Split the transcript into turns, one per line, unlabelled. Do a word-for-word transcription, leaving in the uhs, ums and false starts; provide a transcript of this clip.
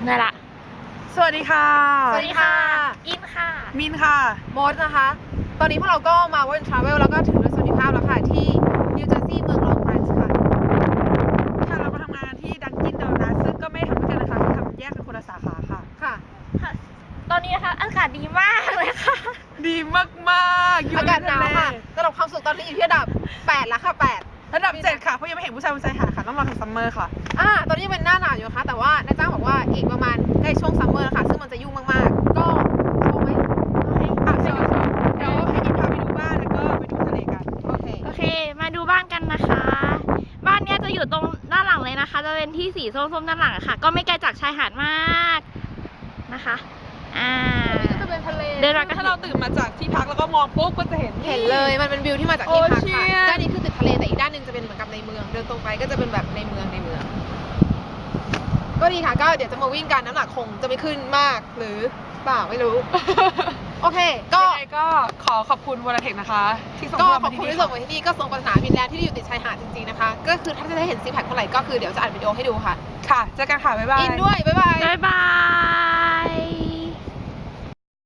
ได้ละ
สวัสดีค่ะ
สวัสดีค่ะอินค่ะ
มินค่ะ
มดนะคะตอนนี้พวกเราก็มาวันทราเวลแล้วก็ถึงโดยสวัสดิภาพแล้วค่ะที่นิวเจอร์ซีย์เมืองลองไอน์ค่ะ
ค่ะเรามาทำงานที่ดังกินโดนัทซึ่งก็ไม่ทำด้วยกันนะคะทำแยกเป็นคนละสาขาค่ะ
ค่ะ
ค่ะตอนนี้นะคะอากาศดีมากเลยค่ะ
ดีมากๆอยู่
อากาศหนาวค่ะ
ใ
ระดับความสุขตอนนี้อยู่ที่ระดับแปดแล้วค่ะแปด
ระดับเจ็ดค่ะเพราะยังไม่เห็นผู้ชายบนชายหาดค่ะต้องรอถึงซัมเมอร์ค่ะ
อ่าตอนนี้เป็นหน้าหนาวอยู่นะคะแต่ว่านายจ้างบอกว่าอีกประมาณใกล้ช่วงซัมเมอร์นะคะซึ่งมันจะยุ่งมากๆก็โชว์ไหม
โอเค
อ่ะเชิญเดี๋ยวให้ยินพาไปดูบ้านแล้วก็ไปดูทะเลกัน
โอเค
โอเคมาดูบ้านกันนะคะ บ้านเนี้ยจะอยู่ตรงด้านหลังเลยนะคะจะเป็นที่สีส้มๆด้านหลังค่ะก็ไม่ไกลจากชายหาดมากนะคะอ่า
ก็จะเป็นทะเล
เดินมาก็
ถ้าเราตื่นมาจากที่พักแล้วก็มองปุ๊บก็จะเห็น
เห็นเลยมันเป็นวิวที่มาจากที่พัก
โอเชี
ค่ะ
ยน
ด้านนี้คือติดทะเลแต่อีกด้านหนึงจะเป็นเหมือนกับในเมืองเดินตรงไปก็จะเป็นแบบในเมืองในเมืองก็ดีค่ะก็เดี๋ยวจะมาวิ่งกันน้ำหนักคงจะไม่ขึ้นมากหรือเปล่าไม่รู้ โอเคก็
ยังไงก็ขอขอบคุณวอลเทคนะคะที่ส่ง
ก็
พวเรา
ขอ
มา
บ
ที่
คุณ
นี่
ที่ส่งมาที่นี่ก็ส่งปัญหามินแลนด์ที่อยู่ติดชายหาดจริงๆนะคะก็คือถ้าจะได้เห็นซิกแพคเมื่อไหร่ก็คือเดี๋ยวจะอัดวิดีโอให้ดูค่ะ
ค่ะเจอกันค่ะบ๊ายบาย
อินด้วยบ๊ายบาย
บ๊ายบาย